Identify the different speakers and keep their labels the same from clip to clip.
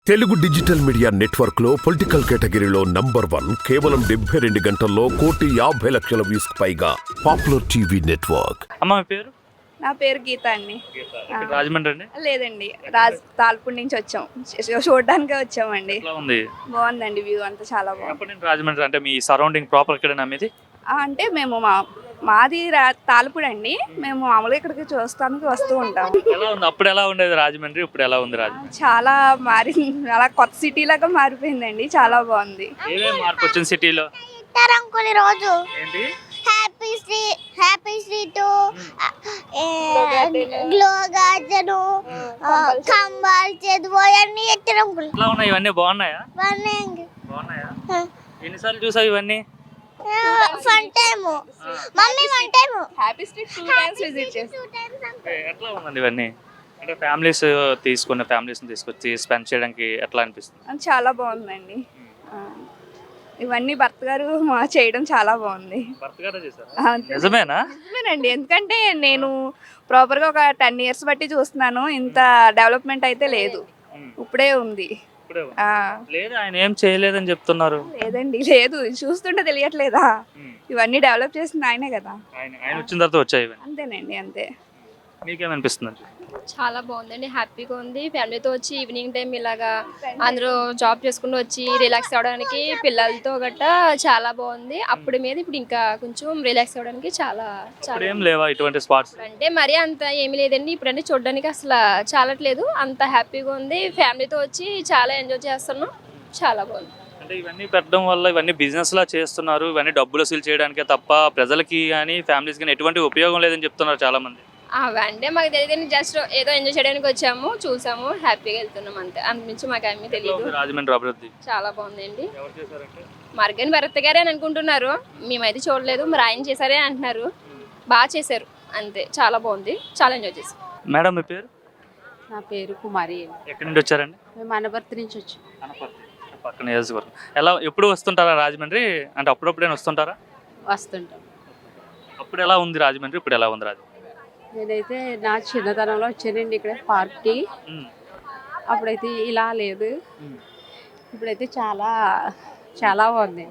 Speaker 1: Telugu digital media network లో political కేటగిరీలో #1 కేవలం 72 గంటల్లో 1,50,00,000 వ్యూస్ పైగా పాపులర్ టీవీ నెట్వర్క్.
Speaker 2: అమ్మ మీ పేరు?
Speaker 3: నా పేరు గీత అండి.
Speaker 2: రాజమండ్రి అండి?
Speaker 3: లేదండి, తాల్పూర్ నుంచి వచ్చాం, చూడడానికే వచ్చామండి. బాగుందండి, వ్యూ అంతా చాలా బాగుంది.
Speaker 2: రాజమండ్రి అంటే మీ సరౌండింగ్ ప్రాపర్ ఎక్కడైనా మీది?
Speaker 3: అంటే మేము మాది తాల్పూర్ అండి. మేము మామూలుగా ఇక్కడికి చూస్తానికి వస్తూ ఉంటాం.
Speaker 2: ఎలా ఉంది అప్పుడు, ఎలా ఉండేది రాజమండ్రి, ఇప్పుడు ఎలా ఉంది రాజమండ్రి?
Speaker 3: చాలా అలా కొత్త సిటీ లాగా మారిపోయిందండి, చాలా బాగుంది.
Speaker 2: ఏమేమి మార్పు వచ్చింది సిటీలో?
Speaker 4: రోజు
Speaker 2: ఏంటి
Speaker 4: హ్యాపీ స్ట్రీట్ గ్లో గార్డెన్ కంబాల్ చదువు అన్ని ఎత్తడం.
Speaker 2: ఎలా ఉన్నాయి ఇవన్నీ? బాగున్నాయా?
Speaker 4: బాగున్నాయా?
Speaker 2: ఎన్నిసార్లు చూసావు ఇవన్నీ?
Speaker 4: Fun time mummy one time
Speaker 3: happy street 2 times visit చేసాం.
Speaker 2: ఎట్లా ఉందండి ఇవన్నీ? అంటే ఫ్యామిలీస్ని తీసుకొచ్చి స్పెండ్ చేయడానికి ఎట్లా అనిపిస్తుంది?
Speaker 3: చాలా బాగుందండి. ఇవన్నీ భర్త గారు చేయడం చాలా బాగుంది.
Speaker 2: నిజమేనా?
Speaker 3: నిజమేనండి, ఎందుకంటే నేను ప్రాపర్గా ఒక 10 years బట్టి చూస్తున్నాను. ఇంత డెవలప్మెంట్ అయితే లేదు, ఇప్పుడే ఉంది.
Speaker 2: లేదు, ఆయన ఏం చేయలేదని చెప్తున్నారు.
Speaker 3: లేదండి, లేదు, చూస్తుంటే తెలియట్లేదా? ఇవన్నీ డెవలప్ చేసింది ఆయనే కదా.
Speaker 2: ఆయన వచ్చిన తర్వాత వచ్చాయి.
Speaker 3: అంతేనండి, అంతే.
Speaker 2: మీకేమనిపిస్తుంది?
Speaker 5: చాలా బాగుందండి, హ్యాపీగా ఉంది. ఫ్యామిలీతో వచ్చి ఈవినింగ్ టైం ఇలాగా అందరూ జాబ్ చేసుకుంటూ వచ్చి రిలాక్స్ అవ్వడానికి పిల్లలతో గట్టా చాలా బాగుంది. అప్పుడు మీద ఇప్పుడు ఇంకా కొంచెం రిలాక్స్ అవ్వడానికి చాలా
Speaker 2: లేవా ఇటువంటి స్పాట్స్?
Speaker 5: అంటే మరీ అంత ఏమీ లేదండి. ఇప్పుడంటే చూడడానికి అసలు చాలట్లేదు, అంత హ్యాపీగా ఉంది. ఫ్యామిలీతో వచ్చి చాలా ఎంజాయ్ చేస్తున్నాం, చాలా బాగుంది.
Speaker 2: అంటే ఇవన్నీ పెట్టడం వల్ల ఇవన్నీ బిజినెస్ లా చేస్తున్నారు, ఇవన్నీ డబ్బులు వసూలు చేయడానికే తప్ప ప్రజలకి కానీ ఫ్యామిలీస్ కానీ ఎటువంటి ఉపయోగం లేదని చెప్తున్నారు చాలా మంది.
Speaker 5: అవన్నీ మాకు తెలియదు, జస్ట్ ఏదో ఎంజాయ్ చేయడానికి వచ్చాము, చూసాము, హ్యాపీగా వెళ్తున్నాం, అంతే. అంతమించి మాకు ఏమీ తెలియదు.
Speaker 2: రాజమండ్రి అభివృద్ధి చాలా
Speaker 5: బాగుందండి. మార్గన్ భరత్ గారే అని అనుకుంటున్నారు, మేమైతే చూడలేదు, మరి ఆయన చేశారే అంటున్నారు. బాగా చేశారు, అంతే. చాలా బాగుంది, చాలా ఎంజాయ్ చేశారు.
Speaker 2: మేడం మీ పేరు?
Speaker 6: నా పేరు కుమారి.
Speaker 2: ఎక్కడి నుంచి వచ్చారండి?
Speaker 6: మేము అనపర్తి నుంచి వచ్చాం.
Speaker 2: పక్కన నియోజకవర్గం. ఎలా ఎప్పుడు వస్తుంటారా రాజమండ్రి? అంటే అప్పుడప్పుడైనా వస్తుంటారా?
Speaker 6: వస్తుంటాం.
Speaker 2: అప్పుడు ఎలా ఉంది రాజమండ్రి, ఇప్పుడు ఎలా ఉంది రాజమండ్రి?
Speaker 6: నేనైతే నా చిన్నతనంలో వచ్చానండి ఇక్కడ పార్క్కి. అప్పుడైతే ఇలా లేదు, ఇప్పుడైతే చాలా చాలా బాగుంది.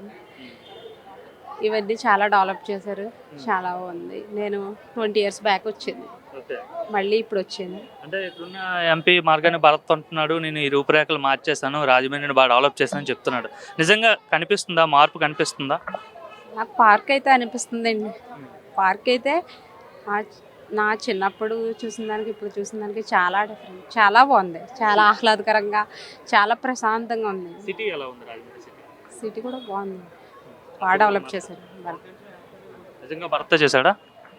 Speaker 6: ఇవన్నీ చాలా డెవలప్ చేశారు, చాలా బాగుంది. నేను 20 years బ్యాక్ వచ్చింది, మళ్ళీ ఇప్పుడు వచ్చాను.
Speaker 2: అంటే ఇప్పుడున్న ఎంపీ మార్గాన్ని భరత్ అంటున్నాడు, నేను ఈ రూపురేఖలు మార్చేశాను, రాజమండ్రిని బాగా డెవలప్ చేశానని చెప్తున్నాడు. నిజంగా కనిపిస్తుందా మార్పు? కనిపిస్తుందా?
Speaker 6: నాకు పార్క్ అయితే అనిపిస్తుందండి. పార్క్ అయితే నా చిన్నప్పుడు చూసిన దానికి ఇప్పుడు చూసిన దానికి చాలా డిఫరెంట్, చాలా బాగుంది, చాలా ఆహ్లాదకరంగా, చాలా ప్రశాంతంగా ఉంది.
Speaker 2: సిటీ ఎలా ఉంది రాజమండ్రి సిటీ?
Speaker 6: సిటీ కూడా బాగుంది, బాగా డెవలప్ చేశారు.
Speaker 2: నిజంగా భర్త చేశాడా?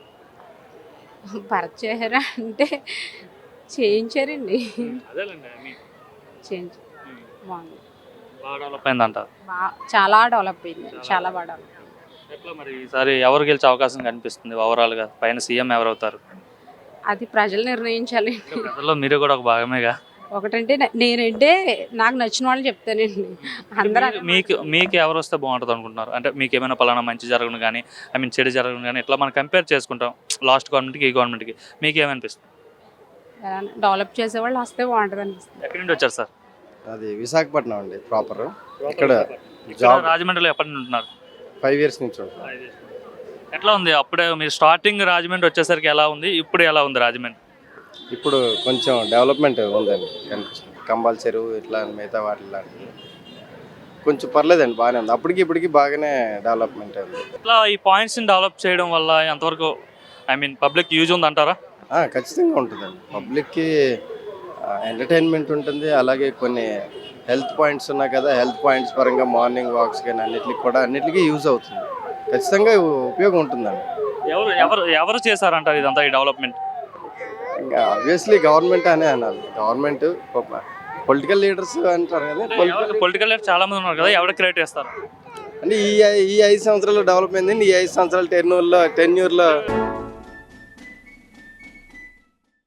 Speaker 6: భరత్ చేశారా అంటే చేయించారండి, చేయించారు. బాగుంది,
Speaker 2: బాగా డెవలప్ అయిందంట.
Speaker 6: చాలా డెవలప్ అయింది, చాలా బాగా డెవలప్.
Speaker 2: ఎట్లా మరి ఈసారి ఎవరు గెలిచే అవకాశం కనిపిస్తుంది ఓవరాల్ గా? పైన సీఎం ఎవరవుతారు?
Speaker 6: అది ప్రజలు నిర్ణయించాలి.
Speaker 2: ప్రజల్లో మీరు కూడా ఒక భాగమేగా.
Speaker 6: ఒకటంటే నేనంటే నాకు నచ్చిన వాళ్ళు చెప్తానండి. అందరూ
Speaker 2: మీకు ఎవరు వస్తే బాగుంటుంది అనుకుంటున్నారు? అంటే మీకు ఏమైనా పలానా మంచి జరగను కానీ, చెడు జరగను కానీ, ఇట్లా మనం కంపేర్ చేసుకుంటాం లాస్ట్ గవర్నమెంట్కి ఈ గవర్నమెంట్కి, మీకు ఏమనిపిస్తుంది?
Speaker 6: డెవలప్ చేసేవాళ్ళు వస్తే బాగుంటుంది అనిపిస్తుంది.
Speaker 2: ఎక్కడి నుండి వచ్చారు సార్?
Speaker 7: అది విశాఖపట్నం అండి, ప్రాపర్. ఇక్కడ
Speaker 2: రాజమండ్రిలో ఎప్పటి నుండి ఉంటున్నారు?
Speaker 7: 5 years నుంచి.
Speaker 2: ఎట్లా ఉంది అప్పుడే మీరు స్టార్టింగ్ రాజమండ్రి వచ్చేసరికి ఎలా ఉంది, ఇప్పుడు ఎలా ఉంది రాజమండ్రి?
Speaker 7: ఇప్పుడు కొంచెం డెవలప్మెంట్ ఉందండి కనిపిస్తుంది. కంబాల్ చెరువు ఇట్లా మిగతా వాటి లాంటివి కొంచెం పర్లేదండి, బాగానే ఉంది. అప్పటికి ఇప్పటికి బాగానే డెవలప్మెంట్ ఉంది.
Speaker 2: ఇట్లా ఈ పాయింట్స్ని డెవలప్ చేయడం వల్ల ఎంతవరకు పబ్లిక్ యూజ్ ఉంది అంటారా?
Speaker 7: ఖచ్చితంగా ఉంటుందండి. పబ్లిక్కి ఎంటర్టైన్మెంట్ ఉంటుంది, అలాగే కొన్ని హెల్త్ పాయింట్స్ ఉన్నాయి కదా, హెల్త్ పాయింట్స్ పరంగా మార్నింగ్ వాక్స్ కానీ అన్నిటికీ యూజ్ అవుతుంది. ఖచ్చితంగా ఉపయోగం ఉంటుందండి.
Speaker 2: ఎవరు చేశారంటారు ఇదంతా ఈ డెవలప్మెంట్?
Speaker 7: ఆబ్వియస్లీ గవర్నమెంట్ అనే అనాలి. గవర్నమెంట్, పొలిటికల్ లీడర్స్ అంటారు కదా,
Speaker 2: పొలిటికల్ లీడర్స్ చాలా మంది ఉన్నారు కదా, ఎవరు క్రియేట్ చేస్తారు
Speaker 7: అంటే ఈ 5 సంవత్సరాలు డెవలప్ అయింది. ఈ 5 సంవత్సరాల టెన్యూర్లో